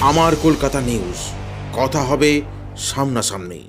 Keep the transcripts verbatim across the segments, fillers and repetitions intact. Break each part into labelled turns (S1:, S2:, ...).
S1: আমার কলকাতা নিউজ, কথা হবে সামনাসামনি।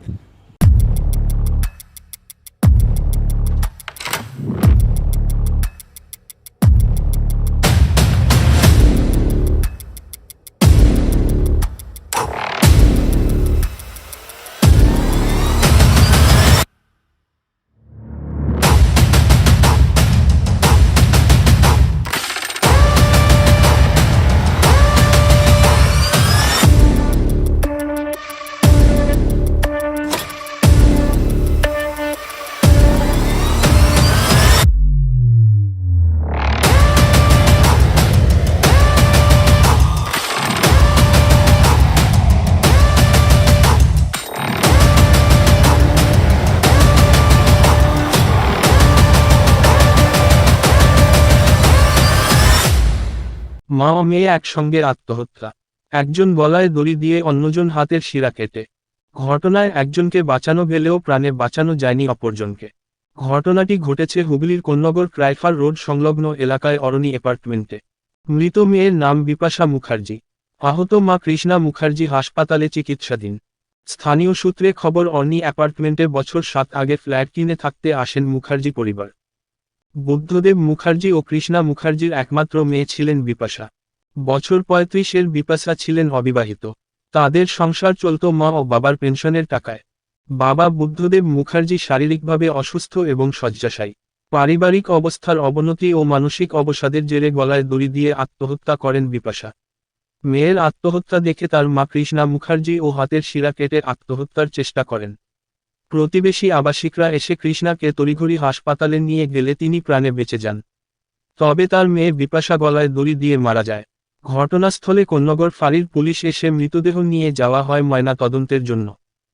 S2: মা ও মেয়ে একসঙ্গে আত্মহত্যা, একজন গলায় দড়ি দিয়ে অন্যজন হাতের শিরা কেটে। ঘটনায় একজনকে বাঁচানো গেলেও প্রাণে বাঁচানো যায়নি অপরজনকে। ঘটনাটি ঘটেছে হুগলির কোন্নগর ক্রাইফার রোড সংলগ্ন এলাকায় অরণি অ্যাপার্টমেন্টে। মৃত মেয়ের নাম বিপাশা মুখার্জি। আহত মা কৃষ্ণা মুখার্জি হাসপাতালে চিকিৎসাধীন। স্থানীয় সূত্রে খবর, অরণি অ্যাপার্টমেন্টে বছর সাত আগে ফ্ল্যাট কিনে থাকতে আসেন মুখার্জি পরিবার। বুদ্ধদেব মুখার্জি ও কৃষ্ণা মুখার্জির একমাত্র মেয়ে ছিলেন বিপাশা। বছর পঁয়ত্রিশের বিপাশা ছিলেন অবিবাহিত। তাদের সংসার চলত মা ও বাবার পেনশনের টাকায়। বাবা বুদ্ধদেব মুখার্জি শারীরিকভাবে অসুস্থ এবং শয্যাশায়ী। পারিবারিক অবস্থার অবনতি ও মানসিক অবসাদের জেরে গলায় দড়ি দিয়ে আত্মহত্যা করেন বিপাশা। মেয়ের আত্মহত্যা দেখে তার মা কৃষ্ণা মুখার্জি ও হাতের শিরা কেটে আত্মহত্যার চেষ্টা করেন। প্রতিবেশী আবাসিকরা এসে কৃষ্ণাকে তড়িঘড়ি হাসপাতালে নিয়ে গেলে তিনি প্রাণে বেঁচে যান। তবে তার মেয়ে বিপাশা গলায় দড়ি দিয়ে মারা যায়। ঘটনাস্থলে কোন্নগর ফাঁড়ির পুলিশ এসে মৃতদেহ নিয়ে যাওয়া হয় ময়না তদন্তের জন্য।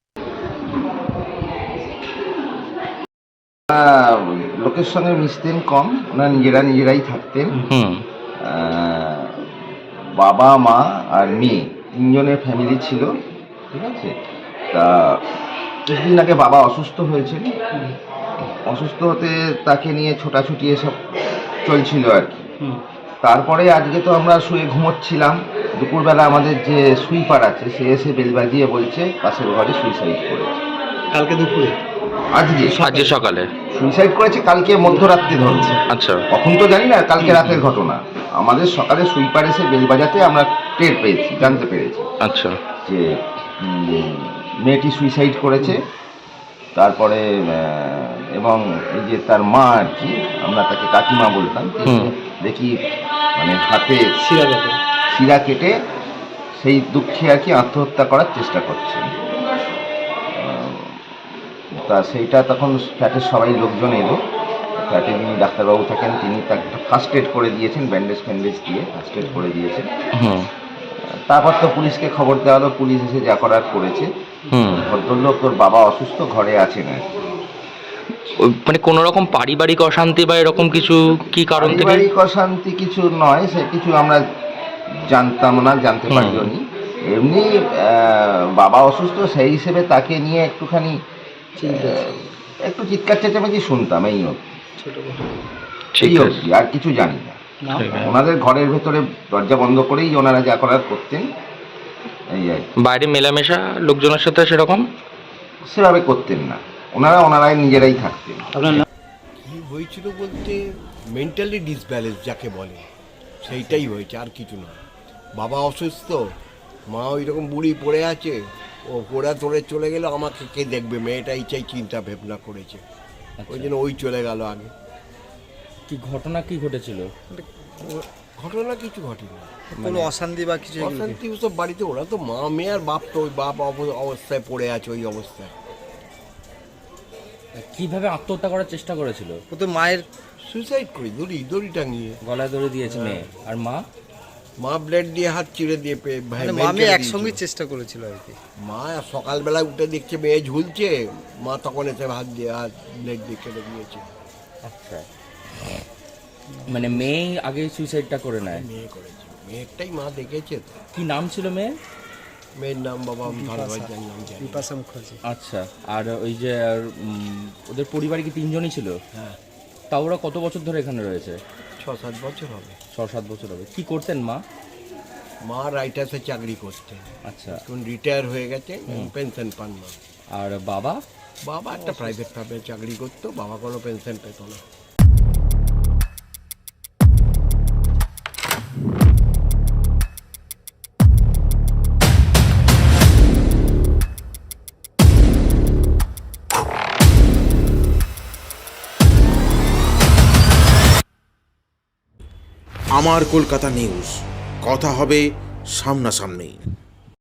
S3: লোকের সঙ্গে মিশতেন কম, ওনারা নিজেরা নিজেরাই থাকতেন। বাবা মা আর মেয়ে তিনজনের ফ্যামিলি ছিল, ঠিক আছে। তা কিছুদিন আগে বাবা অসুস্থ হয়েছেন। অসুস্থ হতে তাকে নিয়ে ছোটাছুটি এসব চলছিল আর কি। তারপরে আজকে তো আমরা শুয়ে ঘুমোচ্ছিলাম, দুপুরবেলা আমাদের যে সুইপার আছে সে এসে বেল বাজিয়ে বলছে পাশের ঘরে সুইসাইড করেছে।
S4: কালকে দুপুরে?
S3: আজকে
S4: আজকে সকালে
S3: সুইসাইড করেছে, কালকে মধ্যরাত্রে ধরছে।
S4: আচ্ছা,
S3: কখন তো জানি না, কালকে রাতের ঘটনা। আমাদের সকালে সুইপার এসে বেল বাজাতে আমরা টের পেয়েছি, জানতে পেরেছি
S4: আচ্ছা
S3: যে মেয়েটি সুইসাইড করেছে। তারপরে এবং এই যে তার মা আর কি, আমরা তাকে কাকিমা বলতাম, দেখি মানে হাতে
S4: শিরা কেটে
S3: শিরা কেটে সেই দুঃখে আর কি আত্মহত্যা করার চেষ্টা করছেন। তা সেইটা তখন ফ্ল্যাটের সবাই লোকজন এলো। ফ্ল্যাটে যিনি ডাক্তারবাবু থাকেন তিনি তাকে ফার্স্ট এড করে দিয়েছেন, ব্যান্ডেজ ফ্যান্ডেজ দিয়ে ফার্স্ট এড করে দিয়েছেন। তারপর তো পুলিশকে খবর দেওয়া হলো, পুলিশ এসে যা করার করেছে। ভদ্রলোক তোর বাবা অসুস্থ, ঘরে আছে না।
S4: মানে কোনো রকম পারিবারিক অশান্তি বা এরকম কিছু কি কারণ থেকে?
S3: পারিবারিক অশান্তি কিছু নয়, সে কিছু আমরা জানতাম না, জানতে পারিও নি। এমনি বাবা অসুস্থ, সেই হিসেবে তাকে নিয়ে একটুখানি একটু চিৎকার চেঁচামেচি শুনতাম, এই অবধি অবধি আর কিছু জানি না। ওনাদের ঘরের ভেতরে দরজা বন্ধ করেই ওনারা যা করার করতেন। এই আর
S4: বাইরে মেলামেশা লোকজনের সাথে সেরকম
S3: সেভাবে করতেন না, ওনারা ওনারাই নিজেরাই থাকতেন।
S5: কী হয়েছিল বলতে মেন্টালি ডিসব্যালেন্স যাকে বলে, সেইটাই হয়েছে, আর কিছু নয়। বাবা অসুস্থ, মা ওই রকম বুড়ি পড়ে আছে, ও পোড়া তোড়ে চলে গেল, আমাকে কে দেখবে, মেয়েটাই চাই চিন্তা ভাবনা করেছে, ওই জন্য ওই চলে গেল আগে।
S6: কি ঘটনা কি ঘটেছিল?
S5: ঘটনা কিছু ঘটেনি,
S6: কোনো অশান্তি বা কিছু?
S5: অশান্তি সব বাড়িতে, ওরা তো মা মেয়ে আর বাপ, তো ওই বাপ অবস্থায় পড়ে আছে, ওই অবস্থায়।
S6: কিভাবে আত্মহত্যা করার চেষ্টা করেছিল?
S5: ও তো মায়ের সুইসাইড করি, দড়ি দড়ি টাঙিয়ে
S6: গলায় দড়ি দিয়েছে মেয়ে, আর মা
S5: মা ব্লেড দিয়ে হাত চিড়ে দিয়ে ভাই
S7: আমি একসঙ্গে চেষ্টা করেছিল আর কি।
S5: মা সকালবেলায় উঠে দেখছে মেয়ে ঝুলছে, মা তখন এসে হাত দিয়ে হাত ব্লেড দিয়ে কেটে দিয়েছে।
S6: আচ্ছা, মানে মেয়ে আগে সুইসাইডটা করে নেয়?
S5: মেয়ে করেছে, মেয়েরটাই মা দেখেছে। তো
S6: কি নাম ছিল মেয়ের?
S5: মেয়ের নাম বাবা ধরবার জানলাম,
S7: বিপাশা মুখার্জি।
S6: আচ্ছা, আর ওই যে ওদের পরিবারে কি তিনজনই ছিল?
S5: হ্যাঁ।
S6: তা ওরা কত বছর ধরে এখানে রয়েছে?
S5: ছ সাত বছর হবে।
S6: ছ সাত বছর হবে। কি করতেন মা?
S5: মা রাইটার্সে চাকরি করতেন,
S6: আচ্ছা।
S5: এখন রিটায়ার হয়ে গেছে, পেনশন পান না।
S6: আর বাবা?
S5: বাবা একটা প্রাইভেট ফার্মে চাকরি করতো, বাবা কোনো পেনশন পেত না।
S1: আমার কলকাতা নিউজ, কথা হবে সামনাসামনি।